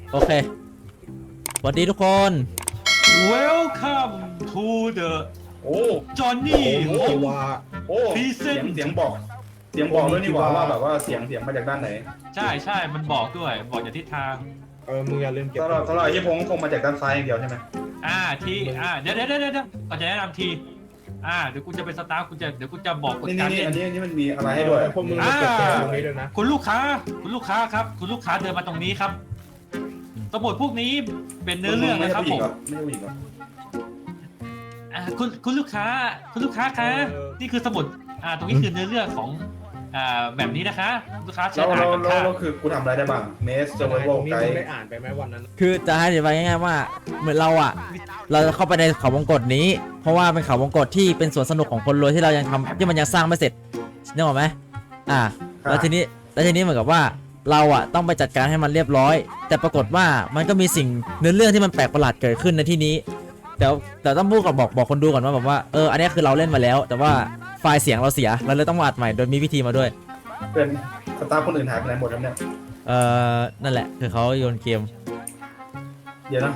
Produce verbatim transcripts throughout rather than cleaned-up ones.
โอเคสวัสดีทุกคน Welcome to the โอ้ Johnny โอ้ Home ว่าโอ้เสียง Present เสียงบอกเสียงบอกด้วยนี่หว่าว่าแบบว่าเสียงเสียงมาจากด้านไหนใช่ใช่มันบอกด้วย บอกจากทิศทางเออมึงอย่าลืมเก็บตลอดตลอดยี่พงคงมาจากด้านซ้ายอย่างเดียวใช่ไหมอ่าทีอ่าเดี๋ยวเดี๋ยวเดี๋ยวเดี๋ยวก่อนจะแนะนำที อ่าเดี๋ยวกูจะเป็นสตาฟกูจะเดี๋ยวกูจะบอกกฎนี่การนี่เล่นอันนี้อันนี้มันมีอะไรให้ด้วยพวกมึงมาเก็บแกตรงนี้ด้วยนะคุณลูกค้า คุณลูกค้าครับ คุณลูกค้าเดินมาตรงนี้ครับ สมุดพวกนี้เป็นเนื้อเรื่องนะครับผมไม่ใช่ผู้หญิงหรออ่าคุณคุณลูกค้า คุณลูกค้าคะนี่คือสมุด อ่า ตรงนี้คือเนื้อเรื่องของ อ่า แบบนี้นะคะ ลูกค้าเชิแล้ญวอ่านแล้วก่อนแล้วค่ะแล้วคือกูทำอะไรได้บ้างเมสเซอร์ไวตโวรงนี้ไกมึงด์ได้อ่านไปไหมวันนั้นคือจะให้อธิบายง่ายๆว่าเหมือนเราอ่ะเราจะเข้าไปในเขาวงกตนี้ เพราะว่าเป็นเขาวงกตที่เป็นสวนสนุกของคนรวยที่เรายังทำที่มันยังสร้างไม่เสร็จนึกออกไหมอ่าแล้วทีนี้แล้วทีนี้เหมือนกับว่าเราอ่ะต้องไปจัดการให้มันเรียบร้อย แต่ปรากฏว่ามันก็มีสิ่งเนื้อเรื่องที่มันแปลกประหลาดเกิดขึ้นในที่นี้แต่แต่ต้องพูดก่อนบอกบอกคนดูก่อนว่าแบบว่าเอออันนี้คือเราเล่นมาแล้ว แต่ว่าไฟล์เสียงเราเสียเราเลยต้องมาอัดใหม่โดยมีวิธีมาด้วยเป็นสตาฟคนอื่นหายไปไหนหมดครับเนี่ยเออนั่นแหละคือเขาโยนเกมเดี๋ยวนะ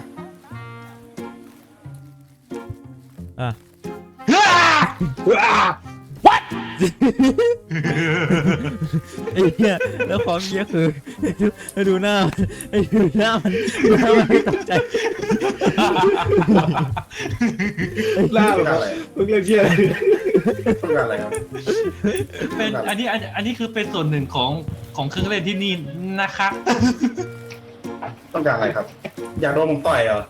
อ่ะ ไอ้เนี่ยแล้วความเยี่ยคือให้ดูหน้าไอ้ดูหน้ามันหน้ามันไม่ตกใจล่าต้องการอะไรมึงเรียกเชี่ยอะไรต้องการอะไรครับเป็นอันนี้อันอันนี้คือเป็นส่วนหนึ่งของของเครื่องเล่นที่นี่นะคะต้องการอะไรครับ อยากโดนผมต่อยเหรอ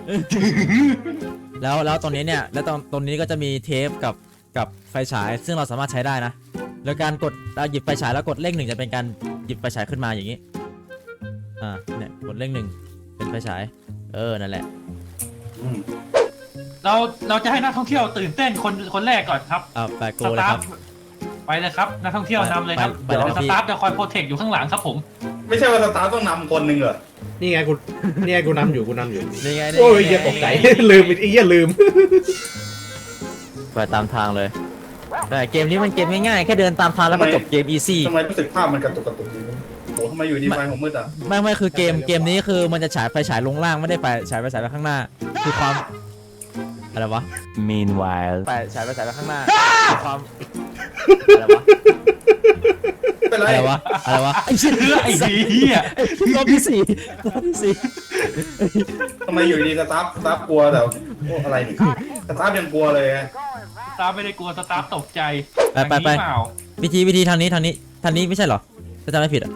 แล้วแล้วตรงนี้เนี่ยแล้วตรงตรงนี้ก็จะมีเทปกับกับไฟฉาย ซึ่งเราสามารถใช้ได้นะแล้วการกดเราหยิบไฟฉายแล้วกดเลขหนึ่งจะเป็นการหยิบไฟฉายขึ้นมาอย่างนี้อ่าเนี่ยกดเลขหนึ่งเป็นไฟฉายเออนั่นแหละอืมเราเราจะให้นักท่องเที่ยวตื่นเต้นคนคนแรกก่อนครับอ่าไปโกสเลยตาคฟรับไปเลยครับนักท่องเที่ยวนำเลยครับไปไปไปเลยครับสตาฟจะคอยโปรเทคอยู่ข้างหลังครับผมไม่ใช่ว่าสตาฟต้องนำคนหนึ่งเหรอนี่ไงกูนี่ไงกูนำอยู่กูนำอยู่นี่ไงนี่ไงโอ้ยเหี้ยตกใจ ลืมไอ้เหี้ยลืมไปตามทางเลยแต่เกมนี้มันเกมง่ายๆแค่เดินตามทางแล้วก็จบเกมอีซี่ทำไมรู้สึกภาพมันกระตุกกระตุกอยู่โอ้ทำไมอยู่ดีไฟผมมืดอ่ะไม่ไม่คือเกมเกมนี้คือมันจะฉายไฟฉายลงล่างไม่ได้ไฟฉายไฟฉายไปข้างหน้า คือความอะไรวะ Meanwhile ไฟฉายไฟฉายไปข้างหน้าคือความอะไรวะเป็นไรอะไรวะอะไรวะไอ้เชี่ยเพื่อไอ้เหี้ยรอบที่สี่รอบที่สี่ทำไมอยู่ดีสตาฟสตาฟกลัวแต่โอ้อะไรนี่สตาฟยังกลัวเลยสตาฟไม่ได้กลัวสตาฟตกใจไปไปไปอย่างนี้เปล่าวิธีวิธีทางนี้ทางนี้ทางนี้ไม่ใช่เหรอถ้าจำไม่ผิดอ่ะ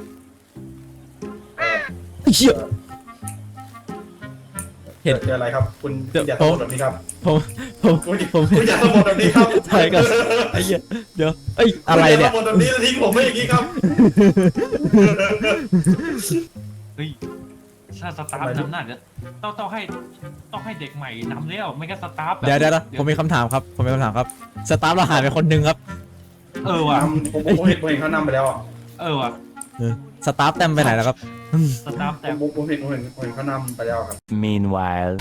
ไอ้เชี่ย เห็นเจออะไรครับ คุณเดี๋ยวอย่าผสะมบัดแบบนี้ครับผมผมคุณผมคุณอย่าสะบัดแบบนี้ครับถ่ายกันไอ้เหี้ยเดี๋ยวเอ้ยอะไรเนี่ยคุณอย่าสะบัดแบบนี้แล้วทิ้งผมไว้อย่างนี้ครับเฮ้ยถ้าสตาฟนำหน้าเนี่ยต้องต้องให้ต้องให้เด็กใหม่นำแล้วไม่งั้นสตาฟแบบเดี๋ยวเดี๋ยวผมมีคำถามครับผมมีคำถามครับสตาฟเราหายไปคนหนึ่งครับเออว่ะนำผมผมเห็นผมเห็นเขานำไปแล้วอ่ะเออว่ะเออสตาฟเต็มไปไหนแล้วครับสตาฟแต่ผมผมเห็นผมเห็นผมเห็นเขานำไปแล้วครับ Meanwhile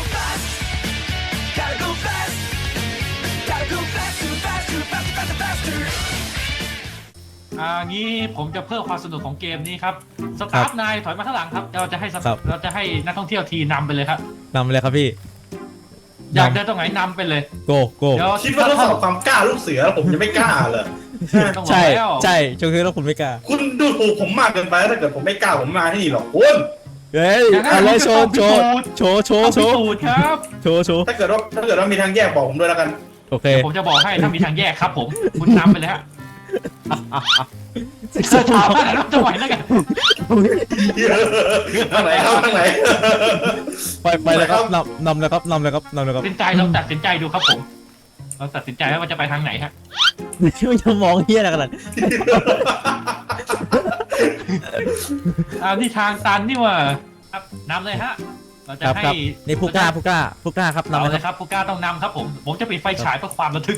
อ่างี้ผมจะเพิ่มความสนุกของเกมนี้ครับสตาฟนายถอยมาข้างหลังครับเราจะให้สตาฟเราจะให้นักท่องเที่ยวทีนำไปเลยครับนำไปเลยครับพี่อยากเดินตรงไหนนำไปเลยโกโกเดี๋ยวคิดว่าทดสอบความกล้าลูกเสือแล้วผมจะไม่กล้าเหรอต้องบอใช่กแล้วใช่ช่วงนี้เราคุณไม่กล้าคุณดูถูกผมมากเกินไปถ้าเกิดผมไม่กล้าผมมาที่นี่หรอกคุณเฮ้ยอะไรโชว์โชว์โชว์โชว์ต้องโชพิว์สูจน์ครับโชว์โชว์ถ้าเกิดว่าถ้าเกิดว่ามีทางแยกบอกผมด้วยแล้วกันโอเคผมจะบอกให้ถ้ามีทางแยกครับผมคุณนำไปเลยฮะเสื้อขาวอะไรรับจะไหวแล้วกันทางไหนครับทางไหนไปไปเลยครับนำนำเลยครับนำเลยครับนำเลยครับตัดสินใจเราตัดสินใจดูครับผมเราตัดสินใจว่าจะไปทางไหนฮะไม่จะมองเฮียอะไรกันล่ะอ่านี่ทางตันนี่ว่าครับนำเลยฮะเราจะครับให้ครับนี่ผู้กล้าผู้กล้าผู้กล้าครับนำเอาเลยเลยคครับ รับผู้กล้าต้องนำครับผมผมจะปิดไฟฉายเพื่อความระทึก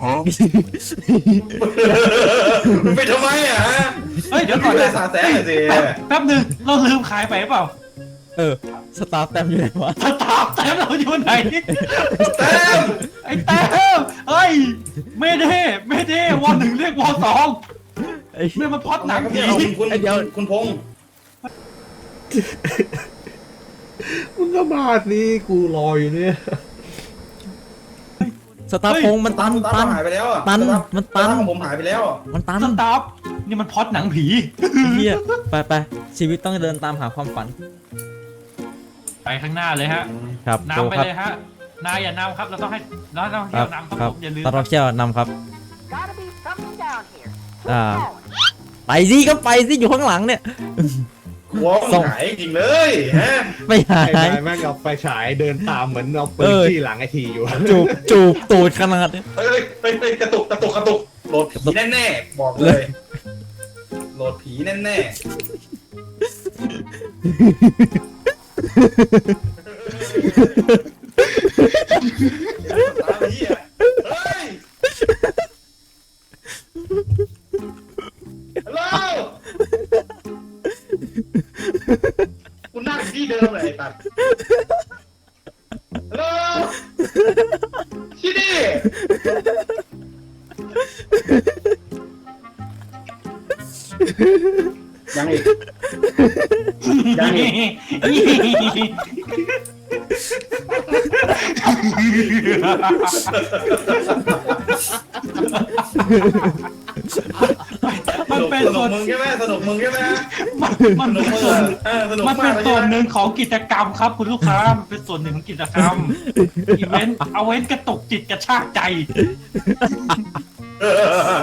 ไปทำไมอ่ะเฮ้ยเดี๋ยวก่ก่ออน นเลยนะสาแสหน่อยสิแป๊บหนึงเราลืมขายไปหรือเปล่าเออสตาฟเต็มอยู่ไหนวะสตาร์แต้มเราอยู่ไหนแต้มไอ้แต้มเฮ้ยไม่ได้ไม่ได้วอหนึ่งเรียกวอสองไอ้เรื่องมันพล็อดหนังครับผีเนี่ยคุณคุณไอ้เดี๋ยวคุณพงษ์งก็มาสิกูรออยู่เนี่ยสตาร์พงมันตันสตาตัร์นหายไปแล้วอ่ะตันสตาร์มันตันสตาร์ของผมหายไปแล้วอะมันตันสตาร์ฟนี่มันพล็อดหนังผีเฮียไปไปชีวิตต้องเดินตามหาความฝันไปข้างหน้าเลยฮะครับโจนำไปครับเลยฮะนายอย่านำครับเราต้องให้เราต้องคเที่รัยบวนำครับครัผบมอย่าลืมตอนเราเที่ยวนำครับ Gotta be something down here. อ่า ไปสิก็ไปสิอยู่ข้างหลังเนี่ยหัวส่งหายจริงเลยฮะไม่หาไอ้ยนายแม่งเอาไฟฉายเดินตามเหมือนเอาปืเอน อที่หลังไอทีอยู่จูบจูบตูดขนาดนี้เฮ้ยเฮ้ยเฮ้ยกระตุกกระตุกกระตุกโหลดผีแน่ๆบอกเลยโหลดผีแน่ๆตามเหี้ยเฮ้ยฮัลโหลกูนั่งอยู่ที่เดิมเลยไอ้ตัดฮัลโหลชิดี้ยังอีกยังอีกมันเป็นสนุส่กวนมึงใช่ไหมสนุกมึงใช่ไหมมันมันสนุเป็กนมึงส่วนเออสนุกมันมาเป็กนเลยส่วนหใช่ไหมนึ่งของกิจกรรมครับคุณลูกค้ามันเป็นส่วนหนึ่งของกิจกรรมอีเวนต์เอาเว้นกระตุกจิตกระชากใจเออ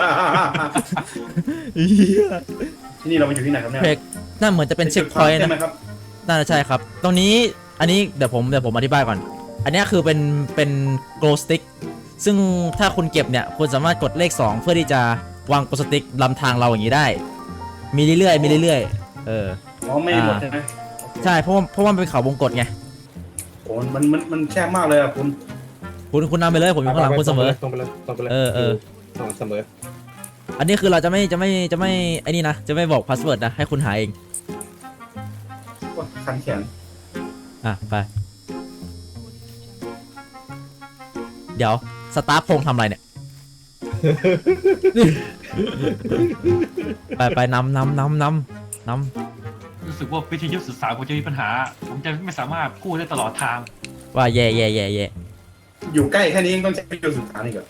ที่นี่เรามาอยู่ที่ไหนครับเนี่ยเพกน่าเหมือนจะเป็นเช็คพอยต์ใช่นะไหมครับน่าจะใช่ครับ ตรงนี้อันนี้เดี๋ยวผมเดี๋ยวผมอธิบายก่อน อันนี้คือเป็นเป็น glow stick ซึ่งถ้าคุณเก็บเนี่ยคุณสามารถกดเลขสองเพื่อที่จะวาง glow stick ลำทางเราอย่างนี้ได้ มีเรื่อยๆมีเรื่อยๆเอออ๋อไม่หมดใช่ไหมใช่เพราะว่าเพราะว่ามันเป็นเขาวงกตไงโอ้มันมันมันแช่มากเลยอ่ะคุณคุณคุณนำไปเลยผมอยู่ข้างหลังคุณเสมอตรงไปเลยตรงไปเลยเออเออตรงเสมออันนี้คือเราจะไม่จะไม่จะไม่ไอ้นี่นะจะไม่บอกพาสเวิร์ดนะให้คุณหาเองว่าคันแขนอ่ะไปเดี๋ยวสตาร์พงทำอะไรเนี่ย ไปไปนำนำนำนำนำรู้สึกว่าวิทยุสื่อสารผมจะมีปัญหา ผมจะไม่สามารถพูดได้ตลอดทางว่าแย่แย่แย่แย่อยู่ใกล้แค่นี้ยังต้องใช้ประโยชน์สุดท้ายอีกเหรอน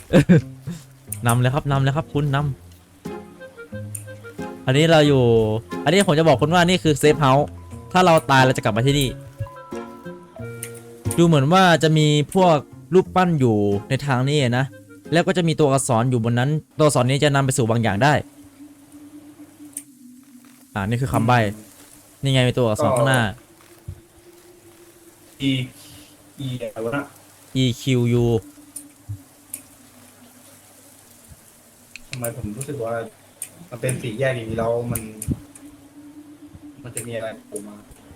ำเลยครับนำเลยครับคุณนำอันนี้เราอยู่ อันนี้ผมจะบอกคุณว่านี่คือเซฟเฮาส์ถ้าเราตายเราจะกลับมาที่นี่ ดูเหมือนว่าจะมีพวกรูปปั้นอยู่ในทางนี้นะ แล้วก็จะมีตัวอักษรอยู่บนนั้น ตัวอักษรนี้จะนำไปสู่บางอย่างได้ อ่านี่คือคำใบ้ นี่ไงมีตัวอักษรข้างหน้าอีอีอะไรวะนะ E Q U ทำไมผมรู้สึกว่ามันเป็นสี่แยกอย่างนี้แล้วมัน มันจะมีอะไรโผล่มา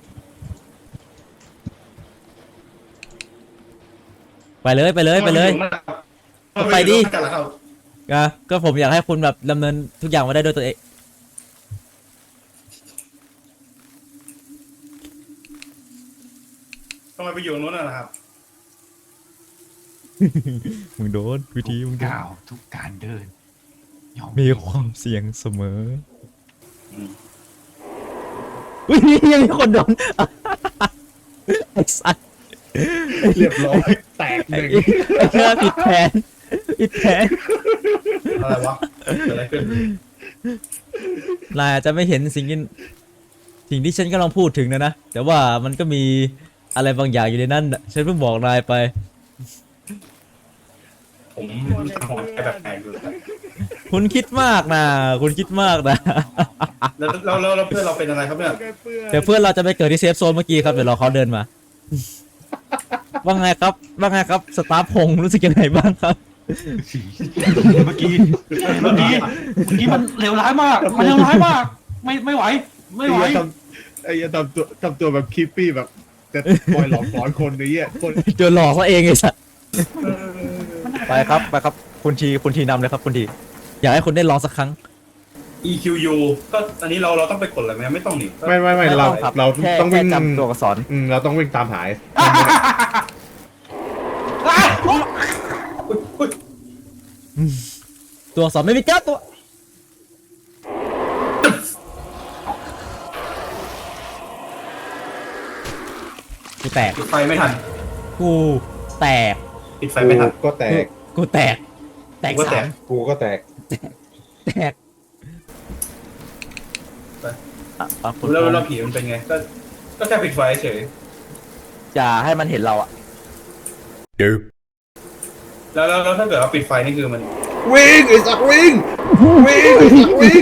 ไปเลยไปเลยไปเลย ไปดิกันแล้วครับก็ก็ผมอยากให้คุณแบบดำเนินทุกอย่างมาได้ด้วยตัวเองทำไมไปอยู่ตรงนู้นน่ะนะครับมึงโดนวิธีมึงโดนก้าวทุกการเดินยอมมีความเสี่ยงเสมออืมอุ้ยยังมีคนโดน ไอ้สัสเรียบร้อยแตกหนึ่งไอ้เชื่อผิดแผนผิดแผนอะไรวะเกิดอะไรขึ้นนายอาจจะไม่เห็นสิ่งที่สิ่งที่ฉันกำลังพูดถึงนะนะ แต่ว่ามันก็มีอะไรบางอย่างอยู่ในนั้นน่ะฉันเพิ่งบอกนายไปผมรู้สึกหัวใจแบบแปลกอยู่ครับคุณคิดมากนะคุณคิดมากนะแล้วแล้วแล้วแล้วเพื่อนเราเป็นอะไรครับเนี่ยเดี๋ยวเพื่อนเราจะไปเกิดที่เซฟโซนเมื่อกี้ครับเดี๋ยวรอเขาเดินมา ว่าไงครับว่าไงครับสตาร์พงรู้สึกยังไงบ้างครับเมื่อกี้เมื่อกี้เมื่อกี้มันเลวร้ายมาก มันเลวร้ายมาก ไม่ไม่ไหว ไม่ไหวไอ้เหี้ยทำไอ้เหี้ยทำตัวทำตัวแบบคิปปี้แบบจะคอยหลอกหลอนคนไอ้เหี้ยคนโดนหลอกซะเองไอ้สัสไปครับไปครับคุณทีคุณทีนำเลยครับคุณทีอยากให้คุณได้ลองสักครั้ง E Q U ก็อันนี้เราเราต้องไปกดอะไรไหมไม่ต้องหนิไม่ไม่ไม่เราเราแค่ต้องวิ่งแค่จำตัวอักษรอืมเราต้องวิ่งตามหายอุ๊ยอุ๊ยตัวอักษรไม่มีก้าตัวกูแตกปิดไฟไม่ทันกูแตกปิดไฟไม่ทันกูก็แตกกูแตก แตกกูก็แตสาก มกูก็แตกแตกอ่ะอ่ะคุณแล้วแล้วผีมันเป็นไง ก็ ก็แค่ปิดไฟเฉยอย่าให้มันเห็นเราอ่ะแล้วแล้วแล้วถ้าเกิดว่าปิดไฟนี่คือมันวิ่งไอ้สักวิ่งวิ่งไอ้สักวิ่ง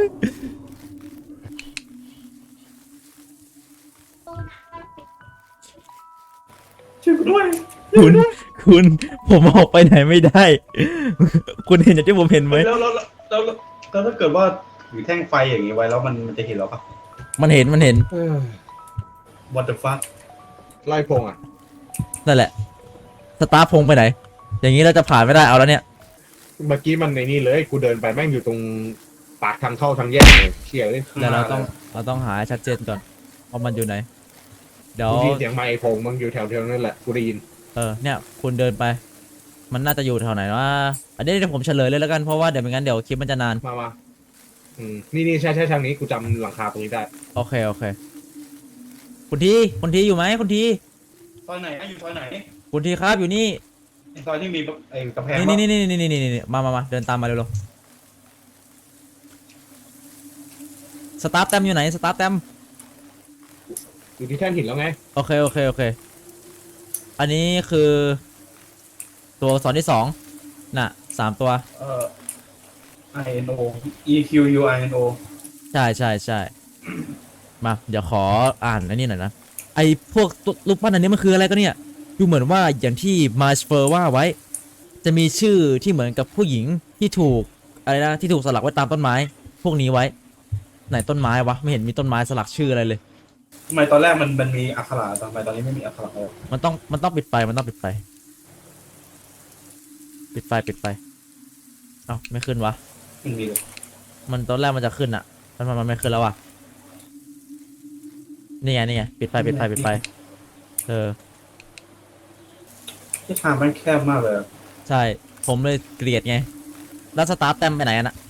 ช่วยกูด้วยคุณคุณผมออกไปไหนไม่ได้ คุณเห็นอย่างที่ผมเห็นไหมแล้วแล้วแล้วแล้วแล้วแล้วถ้าเกิดว่าถือแท่งไฟอย่างนี้ไว้แล้วมันมันจะเห็นเราปะมันเห็นมันเห็นเออ What the fuck ไล่พงอ่ะนั่นแหละสตาร์พงไปไหน อย่างนี้เราจะผ่านไม่ได้เอาแล้วเนี่ยเมื่อกี้มันในนี่เลยกูเดินไปแม่งอยู่ตรงปากทางเข้าทางแยกเลยเชี่ยเลยแล้วเราต้องเราต้องหาให้ชัดเจนก่อนว่ามันอยู่ไหน เดี๋ยวกูได้ยินเสียงไมค์พงมึงอยู่แถวๆนั่นแหละกูได้ยินเออเนี่ยคุณเดินไป มันน่าจะอยู่แถวไหนวะอันนี้เดี๋ยวผมเฉลยเลยแล้วกันเพราะว่าเดี๋ยวไม่งั้นเดี๋ยวคลิปมันจะนานมามาอืมนี่นี่ใช่ใช่ทางนี้กูจำหลังคาตรงนี้ได้โอเคโอเค คุณทีคุณทีอยู่ไหมคุณทีซอยไหนอะอยู่ซอยไหนคุณทีครับอยู่นี่ไอ้ซอยที่มีไอ้กำแพงนี่นี่นี่นี่นี่นี่นี่นี่มามามาเดินตามมาเร็วๆสตาร์ทแต้มอยู่ไหนสตาร์ทแต้มอยู่ที่แท่นหินแล้วไงโอเคโอเคโอเค อันนี้คือ ตัวอักษรที่สองน่ะสามตัวเอ่อ I N O E Q U I N O ใช่ใช่ใช่ มาเดี๋ยวขออ่านอันนี้หน่อยนะ ไอพวกตัวรูปปั้นอันนี้มันคืออะไรก็เนี่ย ดูเหมือนว่าอย่างที่มาสเฟอร์ว่าไว้ จะมีชื่อที่เหมือนกับผู้หญิงที่ถูกอะไรนะที่ถูกสลักไว้ตามต้นไม้ พวกนี้ไว้ ไหนต้นไม้วะไม่เห็นมีต้นไม้สลักชื่ออะไรเลยทำไมตอนแรกมันมันมีอักขระทำไมตอนนี้ไม่มีอักขระเลยมันต้องมันต้องปิดไฟมันต้องปิดไฟ ปิดไฟปิดไฟ เอ้าไม่ขึ้นวะมันมีเลยมันตอนแรกมันจะขึ้นอะมันมันมันไม่ขึ้นแล้วอะนี่ไงนี่ไงปิดไฟปิดไฟปิดไฟ เออที่ทางมันแคบมากเลยอะใช่ ผมเลยเกลียดไง แล้วสตาร์ทแต้มไปไหนอะน่ะ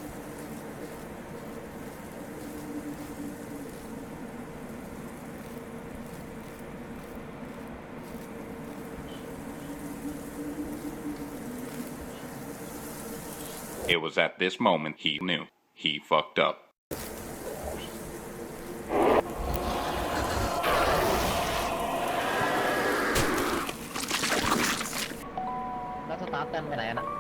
It was at this moment he knew he fucked up. แล้วสตาร์ทแต้มไปไหนอะน่ะ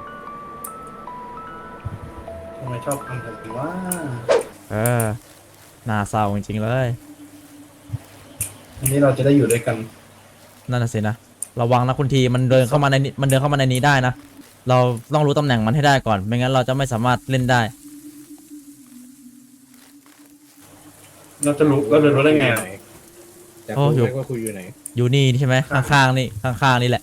ทำไมชอบทำแบบนี้ว่าเออน่าเศร้าจริงๆเลยอันนี้เราจะได้อยู่ด้วยกันนั่นน่ะสินะ ระวังนะคุณที มันเดินเข้ามาในนี้มันเดินเข้ามาในนี้ได้นะ เราต้องรู้ตำแหน่งมันให้ได้ก่อน ไม่งั้นเราจะไม่สามารถเล่นได้เราจะรู้เราจะรู้ได้ไงอะแต่โอ้กูอยู่ไม่ว่ากูอยู่ไหนอยู่นี่ใช่ไหมข้างๆนี่ข้างๆนี่แหละ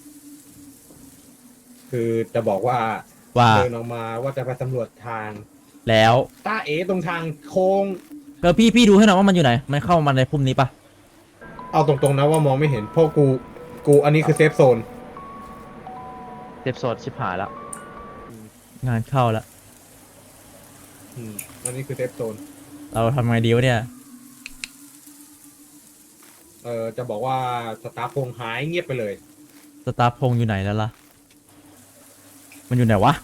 คือจะบอกว่าว่าเดินออกมาว่าจะไปสำรวจทางแล้วตาเอตรงทางโค้งเออพี่พี่ดูให้หน่อยว่ามันอยู่ไหน มันเข้ามาในพุ่มนี้ปะเอาตรงๆนะว่ามองไม่เห็นเพราะกูกูอันนี้คือเซฟโซนเจ็บสดชิบหายแล้ว งานเข้าแล้วอืมอันนี้คือเซฟโซนเราทำไงดีวะเนี่ยเออจะบอกว่าสตาร์พงหายเงียบไปเลยสตาร์พงอยู่ไหนแล้วล่ะ มันอยู่ไหนวะ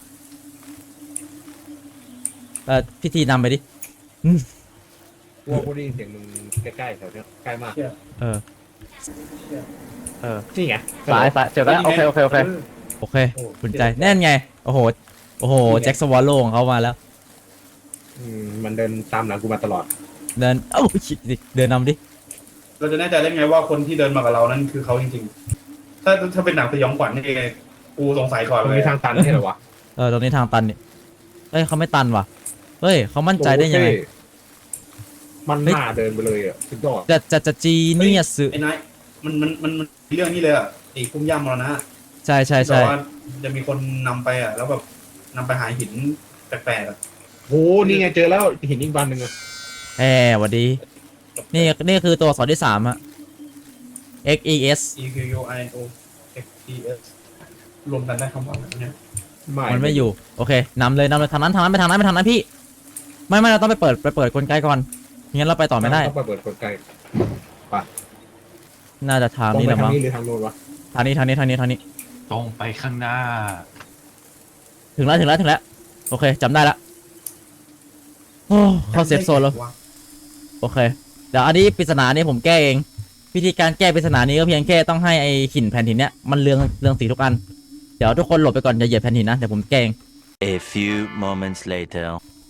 เออพิธีนำไปดิกูว่ากูได้ยินเสียงมึงใกล้ๆแถวเนี้ยใกล้มากเชี่ยเออเชี่ยเออนี่ไงสายสายเจอแล้วโอเคโอเคโอเค โอเคคุณใจแน่นไง โอ้โห โอ้โห แจ็คสวอลโลของเขามาแล้วอืมมันเดินตามหลังกูมาตลอดเดิน เอ้าชิดิเดินนำดิเราจะแน่ใจได้ไงว่าคนที่เดินมากับเรานั้นคือเขาจริงๆ ถ้าถ้าเป็นหนังสยองขวัญนี่กูสงสัยก่อนมันเลยมีทางตันใช่เหรอวะเออ ตรงนี้ทางตันนี่เฮ้ยเขาไม่ตันว่ะ เฮ้ยเขามั่นใจได้ยังไงโอเคมันหน้าเดินไปเลยอ่ะสุดยอดจะจะจะจีเนียสไอ้นายมันมันมันมันเรื่องนี้เลยอ่ะไอ้พุ่มย่ามรณะใช่ใช่แต่ใช่ว่าจะมีคนนำไปอ่ะ แล้วแบบนำไปหาหินแปลกๆอ่ะโหนี่ไงเจอแล้วเห็นอีกวันหนึ่งอะแหมหวัดดี นี่นี่คือตัวอักษรที่สามอะ X E S E Q U I N O X E S รวมกันได้คำว่าอะไรเนี่ยมันไม่อยู่ โอเคนำเลยนำเลยทางนั้นทางนั้นไปทางนั้นไปทางนั้นพี่ ไม่ไม่เราต้องไปเปิดไปเปิดกลไกก่อนงั้นเราไปต่อไม่ได้ต้องไปเปิดกลไกไปน่าจะทางตรงนี้ไปแหละทางมั้งนี้หรือทางโน้นวะทางนี้ทางนี้ทางนี้ทางนี้ตรงไปข้างหน้าถึงแล้วถึงแล้วถึงแล้วโอเคจำได้ละโอ้เข้าเซฟโซนแล้วโอเคเดี๋ยวอันนี้ปริศนานี้ผมแก้เองวิธีการแก้ปริศนานี้ก็เพียงแค่ต้องให้ไอหินแผ่นหินเนี้ยมันเรืองเรืองสีทุกอันเดี๋ยวทุกคนหลบไปก่อนอย่าเหยียบแผ่นหินนะเดี๋ยวผมแก้เอง A few moments later.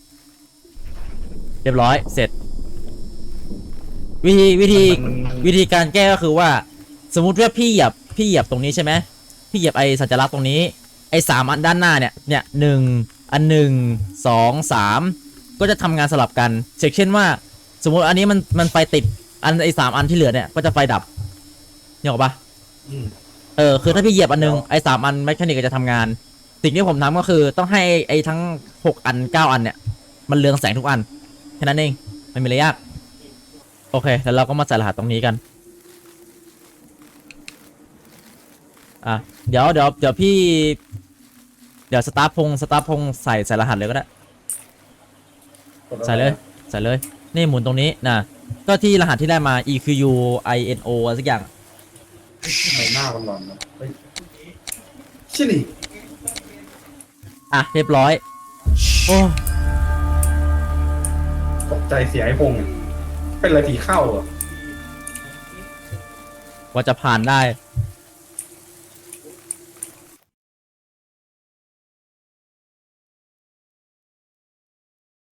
เรียบร้อยเสร็จ วิธีวิธีวิธีการแก้ก็คือว่า สมมุติว่าพี่เหยียบพี่เหยียบตรงนี้ใช่ไหมพี่เหยียบไอสัญลักษณ์ตรงนี้ไอสามอันด้านหน้าเนี่ยเนี่ยหนึ่งอันหนึ่งสองสามก็จะทำงานสลับกันเช่นว่าสมมติอันนี้มันมันไฟติดอันไอสามอันที่เหลือเนี่ยก็จะไฟดับเนี่ยหรอกปะอืมเออคือถ้าพี่เหยียบอันหนึงไอสามอันแมคานิกก็จะทำงาน สิ่งที่ผมทำก็คือต้องให้ไอทั้งหกอันเก้าอันเนี่ยมันเรืองแสงทุกอันแค่นั้นเองไม่มีอะไรยากโอเคแล้วเราก็มาใส่รหัสตรงนี้กันอ่ะเดี๋ยวเดี๋ยวเดี๋ยวพี่เดี๋ยวสตาร์พงสตาร์พงใส่ใส่รหัสเลยก็ได้ใส่เลยใส่เลยนี่หมุนตรงนี้นะก็ที่รหัสที่ได้มา e q u i n o อะไรสักอย่างทำไมหน้ามันหลอนนะเฮ้ยชิลี่อ่ะเรียบร้อยโอ้ตกใจเสียไอ้พงษ์เป็นอะไรผีเข้าอ่ะกว่าจะผ่านได้